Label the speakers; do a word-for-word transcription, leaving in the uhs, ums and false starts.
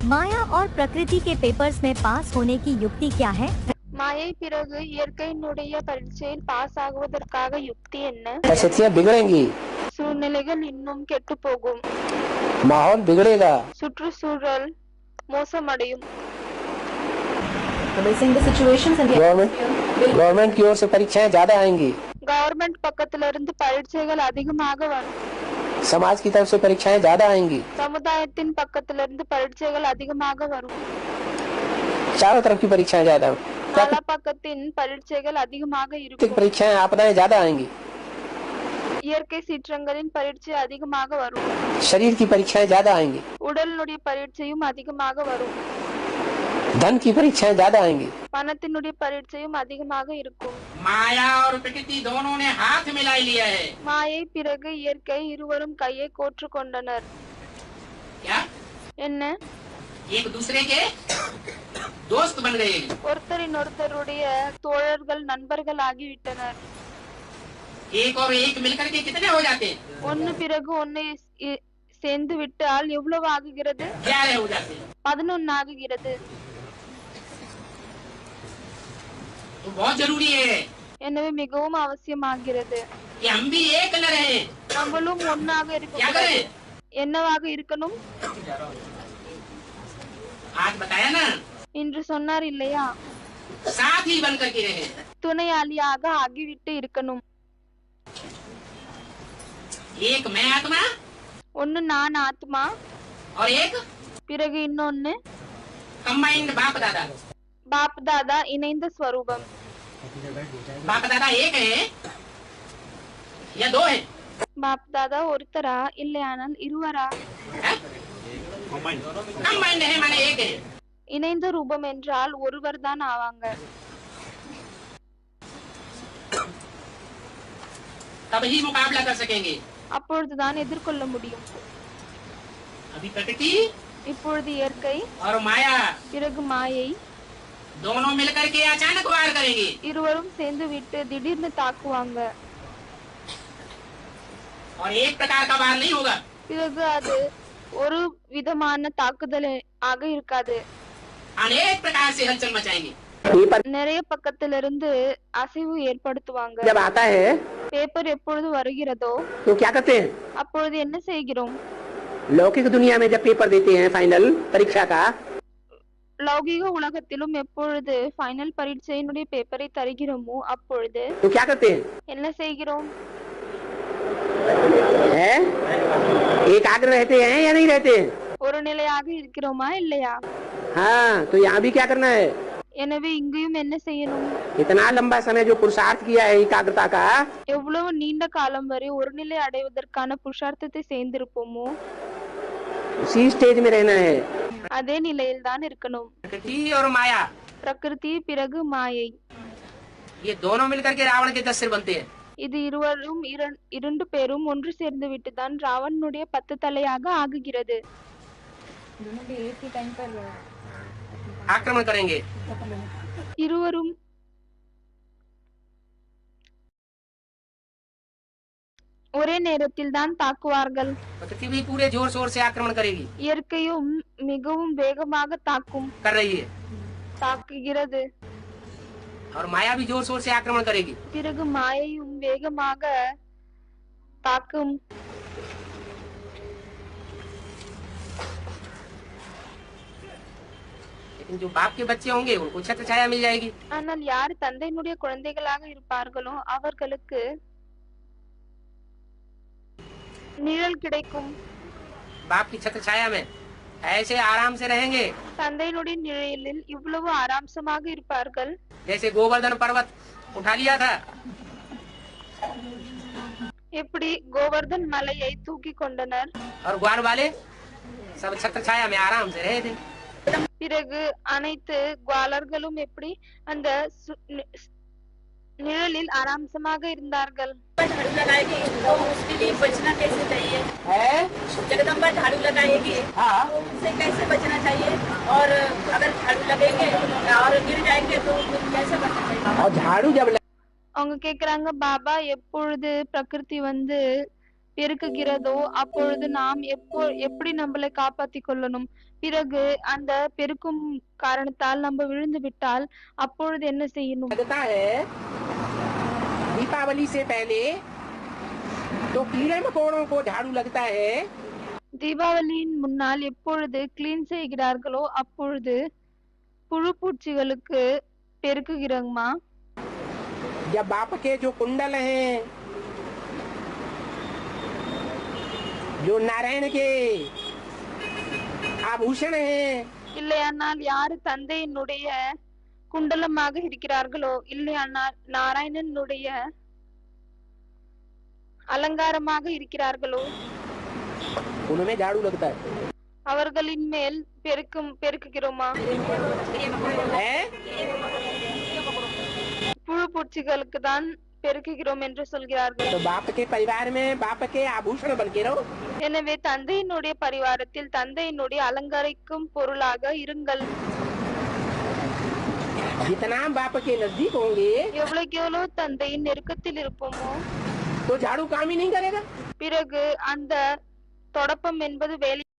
Speaker 1: माया और प्रकृति के पेपर्स में पास होने की युक्ति क्या है?
Speaker 2: மாயை பிறகு இயற்கையினுடைய பரீட்சையில் பாஸ் ஆகுவதற்காக யுக்தி என்ன?
Speaker 3: परिस्थितियाँ बिगड़ेंगी,
Speaker 2: சூழ்நிலைகள் இன்னும் கெட்டு போகும்,
Speaker 3: माहौल बिगड़ेगा,
Speaker 2: சுற்றுச்சூழல் மோசமடையும்.
Speaker 3: गवर्नमेंट गवर्नमेंट की ओर से परीक्षाएं ज्यादा आएंगी,
Speaker 2: கவர்மெண்ட் பக்கத்துல இருந்து பரீட்சைகள் அதிகமாக வரும்,
Speaker 3: समाज की तरफ से परीक्षाएं ज्यादा आएंगी,
Speaker 2: சமுதாயத்தின் பக்கத்துல இருந்து பரீட்சைகள் அதிகமாக வரும்,
Speaker 3: चारों तरफ की परीक्षाएं ज्यादा,
Speaker 2: நாலா பக்கத்தின் பரீட்சைகள் அதிகமாக
Speaker 3: प्राकृतिक
Speaker 2: இருக்கும்,
Speaker 3: परीक्षाएं आपदाएं ज्यादा आएंगी,
Speaker 2: இயற்கை சீற்றங்களின் பரீட்சை அதிகமாக வரும்,
Speaker 3: शरीर की परीक्षाएं ज्यादा आएंगी,
Speaker 2: உடலினுடைய பரீட்சையும் அதிகமாக வரும்,
Speaker 3: धन की परीक्षाएं ज्यादा आएंगी,
Speaker 2: பணத்தினுடைய பரீட்சையும் அதிகமாக இருக்கும்.
Speaker 4: माया और प्रकृति दोनों ने हाथ मिला लिया है।
Speaker 2: மாயை பிறகு இயற்கை இருவரும் கையை கோற்று கொண்டனர்.
Speaker 4: क्या
Speaker 2: என்ன?
Speaker 4: एक दूसरे के दोस्त बन गए।
Speaker 2: ஒருத்தரின் ஒருத்தருடைய தோழர்கள் நண்பர்கள் ஆகிவிட்டனர்.
Speaker 4: एक और एक मिलकर के कितने हो जाते हैं?
Speaker 2: ஒன்னு பிறகு ஒன்னு இ- சேர்ந்து விட்டால் எவ்வளவு ஆகுகிறது?
Speaker 4: ग्यारह हो जाते हैं।
Speaker 2: பதினொன்னு ஆகுகிறது.
Speaker 4: तो बहुत जरूरी है
Speaker 2: எனவே மிகவும் அவசியமாகிறது.
Speaker 4: कि हम भी एक न रहे।
Speaker 2: நம்மளும் ஒன்னாக
Speaker 4: क्या
Speaker 2: இருக்க
Speaker 4: करें?
Speaker 2: என்னவாக இருக்கணும்?
Speaker 4: आज बताया ना,
Speaker 2: இன்று சொன்னார் இல்லையா?
Speaker 4: साथ ही बन करके रहे।
Speaker 2: துணையாளியாக ஆகிவிட்டு இருக்கணும்.
Speaker 4: एक मैं आत्मा
Speaker 2: ஒன்னு நான் ஆத்மா,
Speaker 4: और एक
Speaker 2: பிறகு இன்னொன்னு
Speaker 4: कंबाइंड बाप दादा।
Speaker 2: பாப் தாதா இணைந்த ஸ்வரூபம்.
Speaker 4: बाप दादा एक है या दो है?
Speaker 2: பாப் தாதா ஒருத்தரா இல்லையானால் இருவரா?
Speaker 4: कंबाइंड है माने एक है।
Speaker 2: இணைந்த ரூபம் என்றால் ஒருவர் தான் ஆவாங்க.
Speaker 4: तभी मुकाबला कर सकेंगे।
Speaker 2: அப்பொழுதுதான் எதிர்கொள்ள முடியும்.
Speaker 4: अभी प्रकृति
Speaker 2: இப்பொழுது இயற்கை
Speaker 4: और माया
Speaker 2: பிறகு மாயை
Speaker 4: दोनों मिलकर के अचानक वार करेंगे।
Speaker 2: இருவரும் சேர்ந்து விட்டு திடீர்னு தாக்குவாங்க.
Speaker 4: और एक प्रकार का वार नहीं होगा,
Speaker 2: பிறகு அது ஒரு விதமான தாக்குதல் ஆக இருக்காது.
Speaker 4: अनेक प्रकार से हलचल मचाएंगे।
Speaker 3: पेपर
Speaker 2: நிறைய பக்கத்திலிருந்து அசைவு ஏற்படுத்துவாங்க.
Speaker 3: जब आता है
Speaker 2: பேப்பர் எப்பொழுது வருகிறதோ
Speaker 3: तो क्या करते हैं?
Speaker 2: அப்பொழுது என்ன செய்கிறோம்?
Speaker 3: लौकिक दुनिया में जब पेपर देते हैं फाइनल परीक्षा का,
Speaker 2: லௌகிக உலகத்திலும் எப்பொழுது ஃபைனல் பரீட்சையினுடைய பேப்பரை தருகிறோமோ அப்பொழுது
Speaker 3: तो क्या करते हैं?
Speaker 2: என்ன செய்கிறோம்?
Speaker 3: है एकाग्र रहते हैं या नहीं रहते हैं?
Speaker 2: ஒரு நிலையாக இருக்கிறோமா இல்லையா?
Speaker 3: हाँ, तो यहाँ भी क्या करना है?
Speaker 2: எனவே இங்கேயும் என்ன செய்யணும்?
Speaker 3: इतना लंबा समय जो पुरुषार्थ किया है एकाग्रता का,
Speaker 2: எவ்வளவு நீண்ட காலம் வரை ஒரு நிலை அடைவதற்கான புருஷார்த்தத்தை சேர்ந்திருப்போமோ
Speaker 3: उसी स्टेज में रहना है।
Speaker 2: அதே நிலையில் தான் இருக்கணும்.
Speaker 4: प्रकृति और माया
Speaker 2: பிரகிருதி பிறகு மாயை,
Speaker 4: ये दोनों मिलकर के रावण के दस सिर बनते हैं।
Speaker 2: இது இருவரும் இரண்- இரண்டு பேரும் ஒன்று சேர்ந்து விட்டுதான் ராவணனுடைய பத்து தலையாக ஆகுகிறது.
Speaker 4: आक्रमण करेंगे।
Speaker 2: இருவரும் ஒரே நேரத்தில் தான் தாக்குவார்கள்.
Speaker 4: प्रकृति भी पूरे जोर शोर से आक्रमण करेगी,
Speaker 2: இயற்கையும் மிகவும் வேகமாக தாக்கும்
Speaker 4: कर रही है,
Speaker 2: தாக்குகிறது.
Speaker 4: और माया भी जोर शोर से आक्रमण करेगी।
Speaker 2: பிறகு மாயையும் வேகமாக தாக்கும்.
Speaker 4: लेकिन जो बाप के बच्चे होंगे उनको छत्र छाया मिल जाएगी।
Speaker 2: ஆனால் யார் தந்தையினுடைய குழந்தைகளாக இருப்பார்களோ அவர்களுக்கு நிழல் கிடைக்கும்.
Speaker 4: बाप की छत्र छाया में ऐसे आराम से रहेंगे
Speaker 2: தந்தையினுடைய நிழலில் இவ்வளவு ஆராம்சமாக இருப்பார்கள்.
Speaker 4: जैसे गोवर्धन पर्वत उठा लिया था,
Speaker 2: எப்படி கோவர்தன் மலையை தூக்கி கொண்டனர்.
Speaker 4: और ग्वार वाले सब छत्र छाया में आराम से रहे थे।
Speaker 2: பிறகு அனைத்து குவாலர்களும் எப்படி அந்த சு- நி- நிழலில் ஆராம்சமாக இருந்தார்கள்.
Speaker 5: झाड़ू लगाएगी तो उसके लिए बचना कैसे चाहिए?
Speaker 4: है?
Speaker 5: जगदम्बा झाड़ू लगाएगी
Speaker 4: हाँ।
Speaker 5: तो उससे कैसे बचना चाहिए? और अगर झाड़ू लगेंगे और गिर जाएंगे तो कैसे बचना चाहिए?
Speaker 3: और झाड़ू जब
Speaker 2: அவங்க கேக்குறாங்க, பாபா எப்பொழுது பிரகிருதி வந்து பெருக்குகிறதோ அப்பொழுது நாம் எப்போ எப்படி நம்மளை காப்பாத்திக் கொள்ளணும். பிறகு அந்த பெருக்கும் காரணத்தால் நம்ம விழுந்து விட்டால் அப்பொழுது என்ன செய்யணும்?
Speaker 4: लगता है दीपावली से पहले तो कीड़े मकोड़ों को झाड़ू लगता है
Speaker 2: தீபாவளியின் முன்னால் எப்பொழுது கிளீன் செய்கிறார்களோ அப்பொழுது புழு பூச்சிகளுக்கு பெருக்குகிறோமா?
Speaker 4: जब बाप के जो कुंडल हैं जो नारायण के आभूषण हैं
Speaker 2: இல்லையானால் யாரு தந்தையினுடைய குண்டலமாக இருக்கிறார்களோ இல்லையானால் நாராயணனுடைய அலங்காரமாக இருக்கிறார்களோ
Speaker 4: उनमें झाड़ू लगता है
Speaker 2: அவர்களின் மேல் பெருக்கும் பெருக்குகிறோமா?
Speaker 4: है
Speaker 2: புழு பூச்சிகளுக்கு தான் பெருக்குகிறோம் என்று சொல்கிறார்கள்.
Speaker 4: तो बाप के परिवार में बाप के आभूषण बन के रहो
Speaker 2: எனவே தந்தையினுடைய பரிவாரத்தில் தந்தையினுடைய அலங்கரிக்கும் பொருளாக இருங்கள்.
Speaker 4: जितना बाप के नजदीक होंगे
Speaker 2: எவ்வளவுக்கு எவ்வளவு தந்தையின் நெருக்கத்தில் இருப்போமோ
Speaker 4: तो झाड़ू काम ही नहीं करेगा
Speaker 2: பிறகு அந்த தொடப்பம் என்பது வேலை